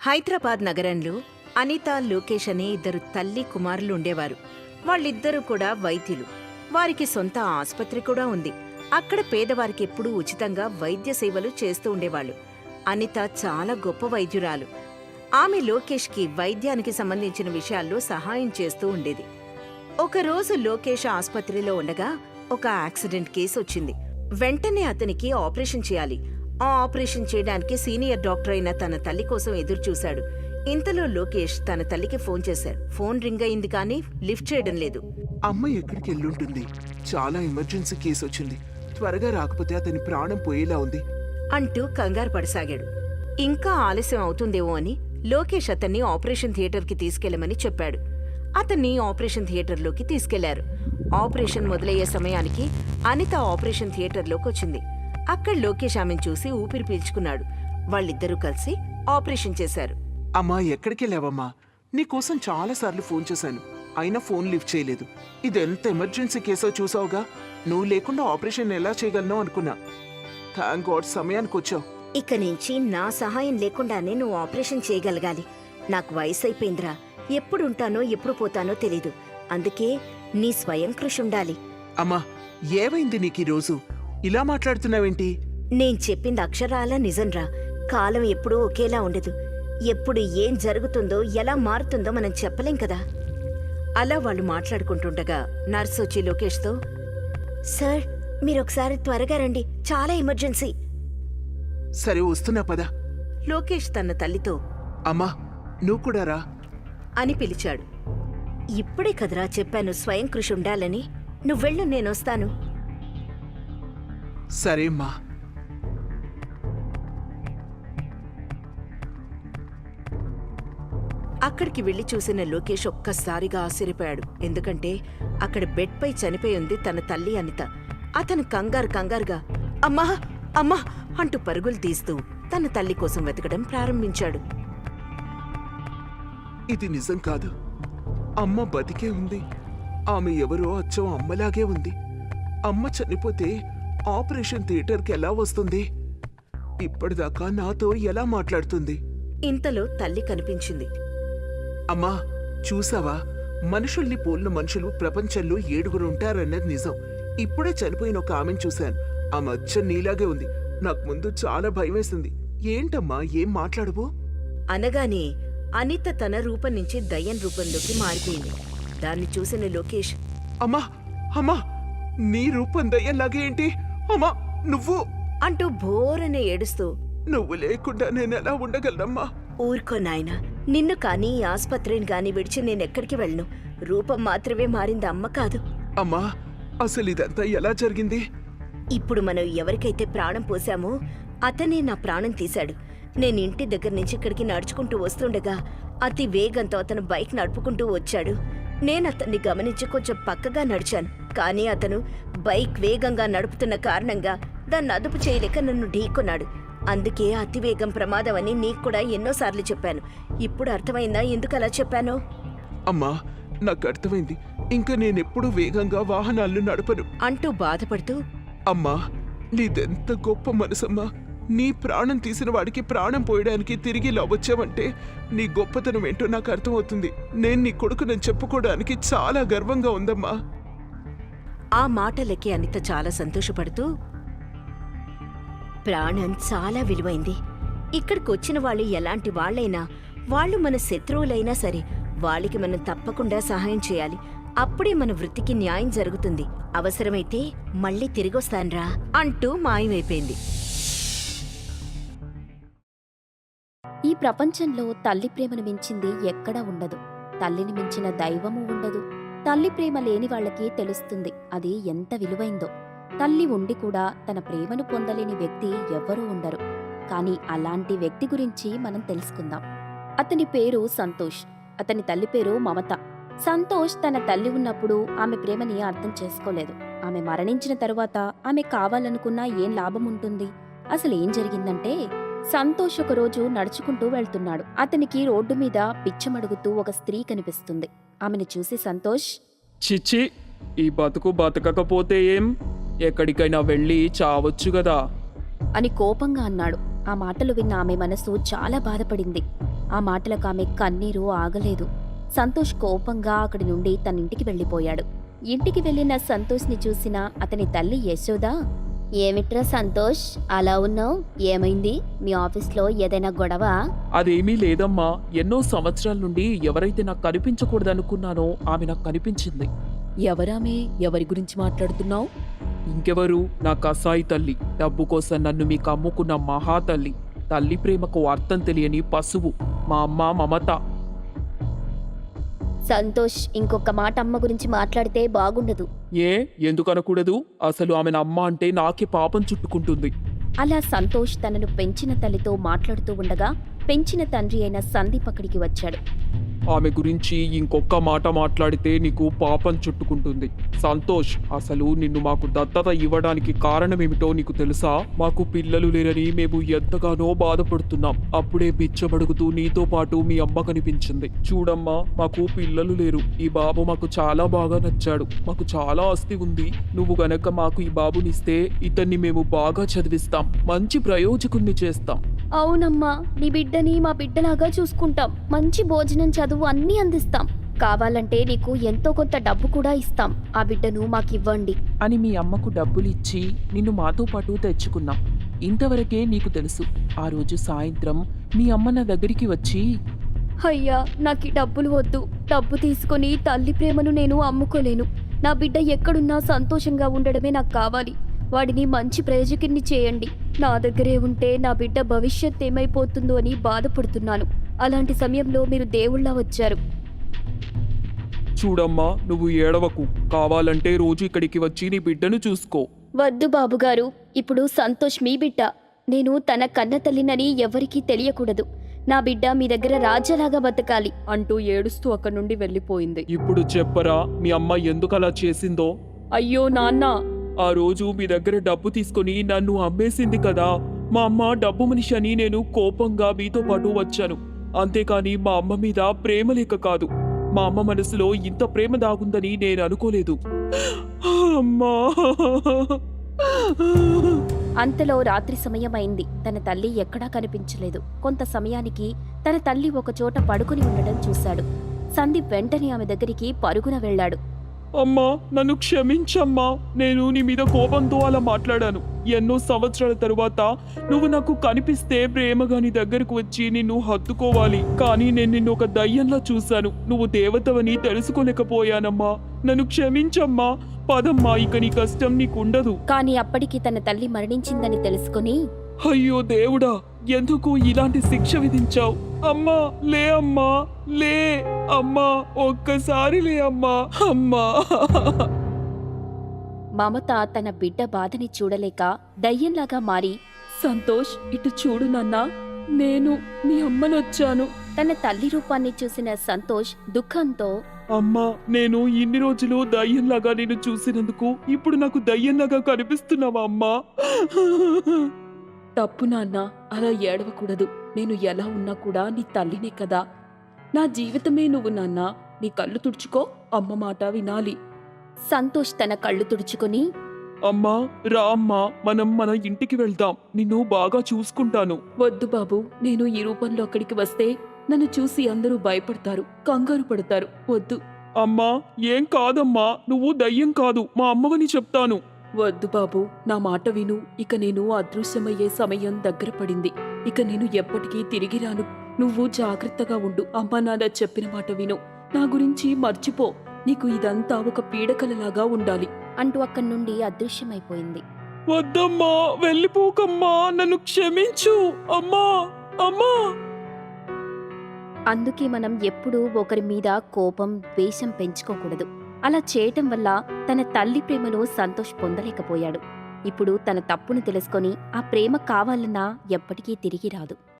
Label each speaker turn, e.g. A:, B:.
A: హైదరాబాద్ నగరంలో అనిత, లోకేష్ అనే ఇద్దరు తల్లి కుమారులు ఉండేవారు. వాళ్ళిద్దరూ కూడా వైద్యులు. వారికి సొంత ఆసుపత్రి కూడా ఉంది. అక్కడ పేదవారికి ఎప్పుడూ ఉచితంగా వైద్య సేవలు చేస్తూ ఉండేవాళ్ళు. అనిత చాలా గొప్ప వైద్యురాలు. ఆమె లోకేష్కి వైద్యానికి సంబంధించిన విషయాల్లో సహాయం చేస్తూ ఉండేది. ఒకరోజు లోకేష్ ఆసుపత్రిలో ఉండగా ఒక యాక్సిడెంట్ కేసు వచ్చింది. వెంటనే అతనికి ఆపరేషన్ చేయాలి. ఆ ఆపరేషన్ చేయడానికి సీనియర్ డాక్టర్ అయిన తన తల్లి కోసం ఎదురుచూశాడు. ఇంతలో లోకేష్ తన తల్లికి ఫోన్ చేశాడు. ఫోన్ రింగ్ అయింది కానీ లిఫ్ట్ చేయడం లేదు.
B: అమ్మ ఎక్కడికి వెళ్ళుంటుంది? చాలా ఎమర్జెన్సీ కేసు వచ్చింది. త్వరగా రాకపోతే అతని ప్రాణం పోయేలా ఉంది
A: అంటూ కంగారు పడసాగాడు. ఇంకా ఆలస్యం అవుతుందేమో అని లోకేష్ అతన్ని ఆపరేషన్ థియేటర్కి తీసుకెళ్లమని చెప్పాడు. అతన్ని ఆపరేషన్ థియేటర్లోకి తీసుకెళ్లారు. ఆపరేషన్ మొదలయ్యే సమయానికి అనిత ఆపరేషన్ థియేటర్లోకి వచ్చింది. అక్కడ లోకేష్ ఆమెను చూసి ఊపిరి పీల్చుకున్నాడు. వాళ్ళిద్దరూ కలిసి ఆపరేషన్ చేశారు.
B: అమ్మా ఎక్కడికి వెళ్ళావమ్మా? నీకోసం చాలాసార్లు ఫోన్ చేశాను, అయినా ఫోన్ లిఫ్ట్ చేయలేదు. ఇదెంత ఎమర్జెన్సీ కేసో చూసావుగా. నువ్వు లేకుండా ఆపరేషన్ ఎలా చేయగలను అనుకున్నా. థ్యాంక్ గాడ్ సమయానికి వచ్చావు.
A: ఇక నుంచి నా సహాయం లేకుండానే నువ్వు ఆపరేషన్ చేయగలగాలి. నాకు వయసు అయిపోయిందిరా. ఎప్పుడు ఉంటానో ఎప్పుడు పోతానో తెలీదు. అందుకే నీ స్వయం కృషి ఉండాలి.
B: అమ్మా ఏమైంది నీకు ఈరోజు? ఇలా మాట్లాడుతున్నావేంటి?
A: నేను చెప్పింది అక్షరాల నిజంరా. కాలం ఎప్పుడూ ఒకేలా ఉండదు. ఎప్పుడు ఏం జరుగుతుందో ఎలా మారుతుందో మనం చెప్పలేం కదా. అలా వాళ్ళు మాట్లాడుకుంటుండగా నర్సు వచ్చి లోకేష్తో, సార్ మీరొకసారి త్వరగా రండి, చాలా ఎమర్జెన్సీ.
B: సరే వస్తున్నా పద.
A: లోకేష్ తన తల్లితో,
B: అమ్మా నువ్వు కూడా రా
A: అని పిలిచాడు. ఇప్పుడే కదరా చెప్పాను స్వయం కృషి ఉండాలని. నువ్వెళ్ళు, నేనొస్తాను.
B: సరే అమ్మా.
A: అక్కడికి వెళ్లి చూసిన లోకేష్ ఒక్కసారిగా ఆశ్చర్యపోయాడు. ఎందుకంటే అక్కడ బెడ్పై చనిపోయి ఉంది తన తల్లి అనిత. అతను కంగారుగా అమ్మా అమ్మా అంటూ పరుగులు తీస్తూ తన తల్లి కోసం వెతకడం ప్రారంభించాడు.
B: ఇది నిజం కాదు. అమ్మ బతికే ఉంది. ఆమె ఎవరో అచ్చం అమ్మలాగే ఉంది. అమ్మ చనిపోతే ఆపరేషన్ థియేటర్కి ఎలా వస్తుంది? ఇప్పటిదాకా నాతో ఎలా మాట్లాడుతుంది?
A: ఇంతలో తల్లి కనిపించింది.
B: అమ్మా చూసావా, మనుషుల్ని పోలిన మనుషులు ప్రపంచంలో 7 ఉంటారన్నది నిజం. ఇప్పుడే చనిపోయిన ఒక ఆమెను చూశాను. ఆ మచ్చ నీలాగే ఉంది. నాకు ముందు చాలా భయమేసింది. ఏంటమ్మా ఏం మాట్లాడవు?
A: అనగానే అనిత తన రూపం నుంచి దయ్యం రూపంలోకి మారిపోయింది. దాన్ని చూసిన లోకేష్,
B: అమ్మా అమ్మా నీ రూపం దయ్యంలాగే ఏంటి? అమ్మా నువ్వు
A: అంటూ బోరనే ఏడుస్తూ,
B: నువ్వు లేకుండా నేనెలా ఉండగలనమ్మా?
A: ఊరుకో నాయనా, నిన్ను కానీ ఈ ఆస్పత్రిని గాని విడిచి నేనెక్కడికి వెళ్ళను. రూపం మాత్రమే మారింది, అమ్మ కాదు.
B: అమ్మా అసలు ఇదంతా ఎలా జరిగింది?
A: ఇప్పుడు మనం ఎవరికైతే ప్రాణం పోసామో అతనే నా ప్రాణం తీశాడు. నేను ఇంటి దగ్గర నుంచి ఇక్కడికి నడుచుకుంటూ వస్తుండగా అతి వేగంతో అతను బైక్ నడుపుకుంటూ వచ్చాడు. నేను అతన్ని గమనించి కొంచెం పక్కగా నడిచాను. కానీ అతను బైక్ వేగంగా నడుపుతున్న కారణంగా దాన్ని అదుపు చేయలేక నన్ను ఢీకొన్నాడు. అందుకే అతివేగం ప్రమాదం అని నీకు కూడా ఎన్నోసార్లు చెప్పాను. ఇప్పుడు అర్థమైందా ఎందుకు అలా చెప్పానో?
B: అమ్మా నాకు అర్థమైంది. ఇంకా నేనెప్పుడు వేగంగా వాహనాలను నడపను
A: అంటూ బాధపడుతూ,
B: అమ్మా నీదెంత గొప్ప మనసమ్మా. నీ ప్రాణం తీసిన వాడికి ప్రాణం పోయడానికి తిరిగి ఇలా వచ్చావంటే నీ గొప్పతనం ఏంటో నాకు అర్థమవుతుంది. నేను నీ కొడుకునని చెప్పుకోవడానికి చాలా గర్వంగా ఉందమ్మా.
A: ఆ మాటలకి అనిత చాలా సంతోషపడుతూ, ప్రాణం చాలా విలువైంది. ఇక్కడికొచ్చిన వాళ్ళు ఎలాంటి వాళ్లైనా, వాళ్ళు మన శత్రువులైనా సరే వాళ్ళకి మనం తప్పకుండా సహాయం చేయాలి. అప్పుడే మన వృత్తికి న్యాయం జరుగుతుంది. అవసరమైతే మళ్ళీ తిరిగొస్తాన్రా అంటూ మాయమైపోయింది.
C: ఈ ప్రపంచంలో తల్లి ప్రేమను మించింది ఎక్కడా ఉండదు. తల్లిని మించిన దైవము ఉండదు. తల్లి ప్రేమ లేని వాళ్ళకి తెలుస్తుంది అది ఎంత విలువైందో. తల్లి ఉండి కూడా తన ప్రేమను పొందలేని వ్యక్తి ఎవ్వరూ ఉండరు. కానీ అలాంటి వ్యక్తి గురించి మనం తెలుసుకుందాం. అతని పేరు సంతోష్. అతని తల్లి పేరు మమత. సంతోష్ తన తల్లి ఉన్నప్పుడు ఆమె ప్రేమని అర్థం చేసుకోలేదు. ఆమె మరణించిన తరువాత ఆమె కావాలనుకున్నా ఏం లాభం ఉంటుంది? అసలు ఏం జరిగిందంటే, సంతోష్ ఒకరోజు నడుచుకుంటూ వెళ్తున్నాడు. అతనికి రోడ్డు మీద పిచ్చమడుగుతూ ఒక స్త్రీ కనిపిస్తుంది. ఆమెను చూసి సంతోష్,
D: చిచ్చి ఈ బతుకు బతకకపోతే ఏం, ఎక్కడికైనా వెళ్ళి చావచ్చు గదా
C: అని కోపంగా అన్నాడు. ఆ మాటలు విన్న ఆమె మనసు చాలా బాధపడింది. ఆ మాటలకు ఆమె కన్నీరు ఆగలేదు. సంతోష్ కోపంగా అక్కడి నుండి తన ఇంటికి వెళ్ళిపోయాడు. ఇంటికి వెళ్ళిన సంతోష్ని చూసిన అతని తల్లి యశోద, ఏమిట్రా సంతోష్ అలా ఉన్నావు? ఏమైంది? మీ ఆఫీస్లో ఏదైనా గొడవ?
D: అదేమీ లేదమ్మా. ఎన్నో సంవత్సరాల నుండి ఎవరైతే నాకు కనిపించకూడదనుకున్నానో ఆమె నాకు కనిపించింది.
C: ఎవరామే? ఎవరి గురించి మాట్లాడుతున్నావు?
D: ఇంకెవరు? నా కసాయి తల్లి. డబ్బు కోసం నన్ను మీకు అమ్ముకున్న మహాతల్లి. తల్లి ప్రేమకు అర్థం తెలియని పశువు మా అమ్మ మమత.
C: సంతోష్, ఇంకొక మాట అమ్మ గురించి మాట్లాడితే బాగుండదు.
D: ఎందుకనకూడదు? అసలు ఆమె అమ్మ అంటే నాకే పాపం చుట్టుకుంటుంది.
C: అలా సంతోష్ తనను పెంచిన తల్లితో మాట్లాడుతూ ఉండగా పెంచిన తండ్రి అయిన సందీప్ అక్కడికి వచ్చాడు.
D: ఆమె గురించి ఇంకొక మాట మాట్లాడితే నీకు పాపం చుట్టుకుంటుంది. సంతోష్, అసలు నిన్ను మాకు దత్తత ఇవ్వడానికి కారణమేమిటో నీకు తెలుసా? మాకు పిల్లలు లేరని మేము ఎంతగానో బాధపడుతున్నాం. అప్పుడే బిచ్చబడుగుతూ నీతో పాటు మీ అమ్మ కనిపించింది. చూడమ్మా, మాకు పిల్లలు లేరు. ఈ బాబు మాకు చాలా బాగా నచ్చాడు. మాకు చాలా ఆస్తి ఉంది. నువ్వు గనక మాకు ఈ బాబునిస్తే ఇతన్ని మేము బాగా చదివిస్తాం. మంచి ప్రయోజకుణ్ణి చేస్తాం.
C: అవునమ్మా, నీ బిడ్డని మా బిడ్డలాగా చూసుకుంటాం. మంచి భోజనం, చదువు అన్నీ అందిస్తాం. కావాలంటే నీకు ఎంతో కొంత డబ్బు కూడా ఇస్తాం. ఆ బిడ్డను మాకివ్వండి
D: అని మీ అమ్మకు డబ్బులిచ్చి నిన్ను మాతో పాటు తెచ్చుకున్నాం. ఇంతవరకే నీకు తెలుసు. ఆ రోజు సాయంత్రం మీ అమ్మ నా దగ్గరికి వచ్చి,
C: అయ్యా, నాకు ఈ డబ్బులు వద్దు. డబ్బు తీసుకొని తల్లి ప్రేమను నేను అమ్ముకోలేను. నా బిడ్డ ఎక్కడున్నా సంతోషంగా ఉండడమే నాకు కావాలి. వాడిని మంచి ప్రయోజకుడిని చేయండి. నా దగ్గరే ఉంటే నా బిడ్డ భవిష్యత్ ఏమైపోతుందో అని బాధపడుతున్నాను. అలాంటి సమయంలో మీరు దేవుళ్ళ వచ్చారు.
D: చూడమ్మా, నువ్వు ఏడవకు. కావాలంటే రోజు ఇక్కడికి వచ్చి నీ బిడ్డను చూసుకో.
C: వద్దు బాబుగారు, ఇప్పుడు సంతోష్ మీ బిడ్డ. నేను తన కన్న తల్లినని ఎవరికీ తెలియకూడదు. నా బిడ్డ మీ దగ్గర రాజాలాగా బతకాలి
E: అంటూ ఏడుస్తూ అక్కడి నుండి వెళ్ళిపోయింది.
D: ఇప్పుడు చెప్పరా మీ అమ్మ ఎందుకు అలా చేసిందో?
E: అయ్యో నాన్న,
D: ఆ రోజు మీ దగ్గర డబ్బు తీసుకొని నన్ను అమ్మేసింది కదా. మా అమ్మ డబ్బు మనిషి అని నేను కోపంగా మీతో పాటు వచ్చాను. అంతేకాని మా అమ్మ మీద ప్రేమ లేక కాదు. మా అమ్మ మనసులో ఇంత ప్రేమ దాగుందని నేను అనుకోలేదు. అమ్మా.
C: అంతలో రాత్రి సమయమైంది. తన తల్లి ఎక్కడా కనిపించలేదు. కొంత సమయానికి తన తల్లి ఒకచోట పడుకుని ఉండడం చూశాడు. సందీప్ వెంటనే ఆమె దగ్గరికి పరుగున వెళ్ళాడు.
D: అమ్మా, నన్ను క్షమించమ్మా. నేను నీ మీద కోపంతో అలా మాట్లాడాను. ఎన్నో సంవత్సరాల తరువాత నువ్వు నాకు కనిపిస్తే ప్రేమగా నీ దగ్గరకు వచ్చి నిన్ను హత్తుకోవాలి. కానీ నేను నిన్ను ఒక దయ్యంలా చూశాను. నువ్వు దేవతవని తెలుసుకోలేకపోయానమ్మా. నన్ను క్షమించమ్మా. పదమ్మా, ఇక నీ కష్టం నీకుండదు.
C: కానీ అప్పటికి తన తల్లి మరణించిందని తెలుసుకుని,
D: అయ్యో దేవుడా, ఎందుకు ఇలాంటి శిక్ష విధించావు? అమ్మా, లే అమ్మా, లే అమ్మా, ఒక్కసారి లే అమ్మా. అమ్మా.
C: మమత తన బిడ్డ బాధని చూడలేక దయ్యంలాగా మారి,
E: సంతోష్ ఇటు చూడు నాన్నా, నేను మీ అమ్మనొచ్చాను.
C: తన తల్లి రూపాన్ని చూసిన సంతోష్ దుఃఖంతో,
D: అమ్మా, నేను ఇన్ని రోజులు దయ్యంలాగా నేను చూసినందుకు ఇప్పుడు నాకు దయ్యంలాగా కనిపిస్తున్నావా అమ్మా?
E: తప్పు నాన్న, అలా ఏడవకూడదు. నేను ఎలా ఉన్నా కూడా నీ తల్లినే కదా. నా జీవితమే నువ్వు నాన్న. నీ కళ్ళు తుడుచుకో, అమ్మ మాట వినాలి.
C: సంతోష్ తన కళ్ళు తుడుచుకుని,
D: అమ్మా, రా అమ్మా, మనం మన ఇంటికి వెళ్దాం. నిన్ను బాగా చూసుకుంటాను.
E: వద్దు బాబు, నేను ఈ రూపంలో అక్కడికి వస్తే నన్ను చూసి అందరూ భయపడతారు, కంగారు పడతారు. వద్దు.
D: అమ్మా, ఏం కాదమ్మా, నువ్వు దయ్యం కాదు, మా అమ్మవని చెప్తాను.
E: వద్దు బాబు, నా మాట విను. ఇక నేను అదృశ్యమయ్యే సమయం దగ్గర పడింది. ఇక నేను ఎప్పటికీ తిరిగి రాను. నువ్వు జాగ్రత్తగా ఉండు. అమ్మా నాన్న చెప్పిన మాట విను. నా గురించి మర్చిపో. నీకు ఇదంతా ఒక పీడకలలాగా ఉండాలి
C: అంటూ అక్కడి నుండి అదృశ్యమైపోయింది.
D: వద్దమ్మా, వెళ్ళిపోకమ్మా, నన్ను క్షమించు అమ్మా. అమ్మా.
C: అందుకే మనం ఎప్పుడూ ఒకరి మీద కోపం, ద్వేషం పెంచుకోకూడదు. అలా చేయటం వల్ల తన తల్లి ప్రేమను సంతోష్ పొందలేకపోయాడు. ఇప్పుడు తన తప్పును తెలుసుకొని ఆ ప్రేమ కావాలన్నా ఎప్పటికీ తిరిగి రాదు.